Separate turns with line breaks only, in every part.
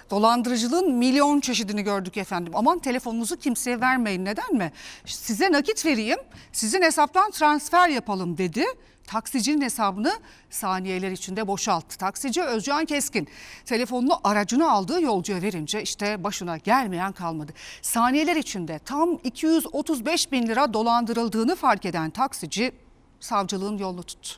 Dolandırıcılığın milyon çeşidini gördük efendim. Aman telefonunuzu kimseye vermeyin. Neden mi? Size nakit vereyim, sizin hesaptan transfer yapalım dedi. Taksicinin hesabını saniyeler içinde boşalttı. Taksici Özcan Keskin telefonunu aracına aldığı yolcuya verince işte başına gelmeyen kalmadı. Saniyeler içinde tam 235 bin lira dolandırıldığını fark eden taksici savcılığın yolunu tuttu.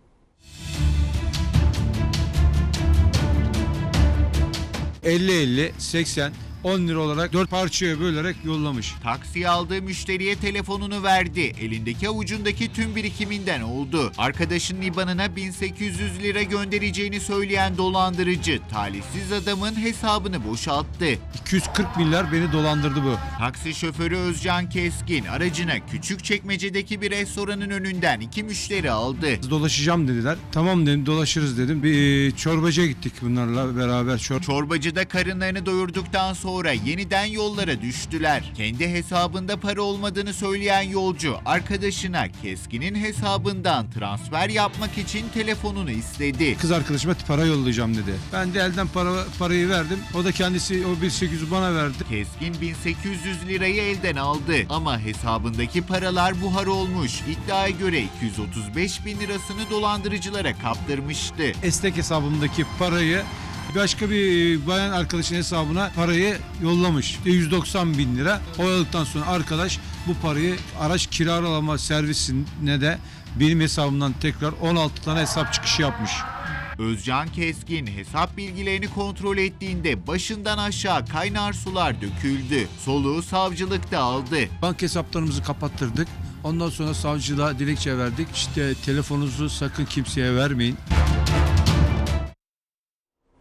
...50, 80, 10 lira olarak 4 parçaya bölerek yollamış.
Taksiye aldığı müşteriye telefonunu verdi. Elindeki avucundaki tüm birikiminden oldu. Arkadaşının IBAN'ına 1800 lira göndereceğini söyleyen dolandırıcı talihsiz adamın hesabını boşalttı.
240 milyar beni dolandırdı bu.
Taksi şoförü Özcan Keskin aracına Küçükçekmece'deki bir restoranın önünden 2 müşteri aldı.
Dolaşacağım dediler. Tamam dedim, dolaşırız dedim. Bir çorbacıya gittik bunlarla beraber.
Çorbacıda karınlarını doyurduktan sonra yeniden yollara düştüler. Kendi hesabında para olmadığını söyleyen yolcu arkadaşına Keskin'in hesabından transfer yapmak için telefonunu istedi.
Kız arkadaşıma para yollayacağım dedi. Ben de elden parayı verdim. O da kendisi o 1800 bana verdi.
Keskin 1800 lirayı elden aldı ama hesabındaki paralar buhar olmuş. İddiaya göre 235 bin lirasını dolandırıcılara kaptırmıştı.
Estek hesabımdaki parayı başka bir bayan arkadaşın hesabına parayı yollamış. 190 bin lira. Oyaladıktan sonra arkadaş bu parayı araç kiralama servisine de benim hesabımdan tekrar 16 tane hesap çıkışı yapmış.
Özcan Keskin hesap bilgilerini kontrol ettiğinde başından aşağı kaynar sular döküldü. Soluğu savcılıkta aldı.
Banka hesaplarımızı kapattırdık. Ondan sonra savcılığa dilekçe verdik. İşte telefonunuzu sakın kimseye vermeyin.